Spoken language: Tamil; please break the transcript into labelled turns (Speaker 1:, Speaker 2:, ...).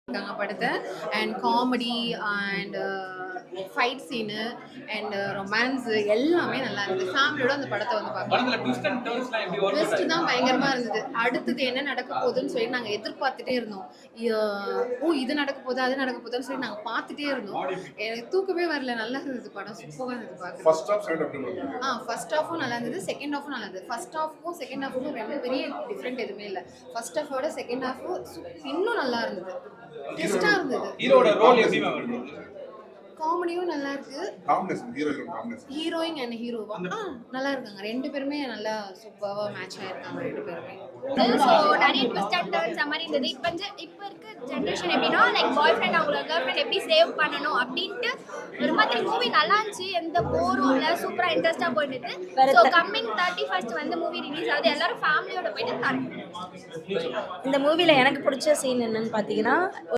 Speaker 1: படத்தை and comedy and fight scene and romance எல்லாமே நல்லா இருந்தது. ஃபேமிலியோட அந்த படத்தை வந்து பார்க்கலாம். ட்விஸ்ட் தான் பயங்கரமா இருந்தது. அடுத்தது என்ன நடக்க போகுதுன்னு சொல்லி நாங்கள் எதிர்பார்த்துட்டே இருந்தோம். இது நடக்க போகுது அது நடக்க போகுதுன்னு சொல்லி நாங்கள் பார்த்துட்டே இருந்தோம். எனக்கு தூக்கமே வரல. நல்லா இருந்தது படம். சூப்பராக இருந்தது பார்க்க. ஃபர்ஸ்ட் ஹாஃபும் நல்லா இருந்தது, செகண்ட் ஹாஃபும் நல்லா இருந்தது. ஃபர்ஸ்ட் ஹாஃபுக்கும் செகண்ட் ஹாஃபுக்கும் ரெண்டு பெரிய டிஃப்ரெண்ட் எதுவுமே இல்லை. ஃபர்ஸ்ட் ஹாஃபோட செகண்ட் ஹாஃப் இன்னும் நல்லா இருந்தது. ட்விஸ்டா இருந்தது.
Speaker 2: ஹீரோட ரோல் எப்படி இருந்தது?
Speaker 1: காமெடியும் நல்லா இருக்கு. ஹீரோயின் அண்ட் ஹீரோவா நல்லா இருக்காங்க. ரெண்டு பேருமே நல்லா சூப்பராக மேட்ச் ஆயிருக்காங்க ரெண்டு பேருமே.
Speaker 3: ஸோ நிறைய ட்விஸ்ட் அண்ட் டர்ன்ஸ் மாதிரி இருந்தது. இப்போ இருக்க ஜென்ரேஷன் எப்படின்னா லைக் பாய் ஃப்ரெண்ட் அவங்களோட கேர்ள் ஃப்ரெண்ட் எப்படி சேவ் பண்ணணும் அப்படின்ட்டு ஒரு மாதிரி மூவி நல்லா இருந்துச்சு. எந்த போரும் இல்லை, சூப்பராக இன்ட்ரெஸ்டாக போயிட்டு. ஸோ கம்மிங் 31st வந்து மூவி ரிலீஸ் ஆகுது. எல்லாரும் ஃபேமிலியோட போயிட்டு பாருங்க.
Speaker 4: இந்த மூவில எனக்கு பிடிச்ச சீன் என்னன்னு பார்த்தீங்கன்னா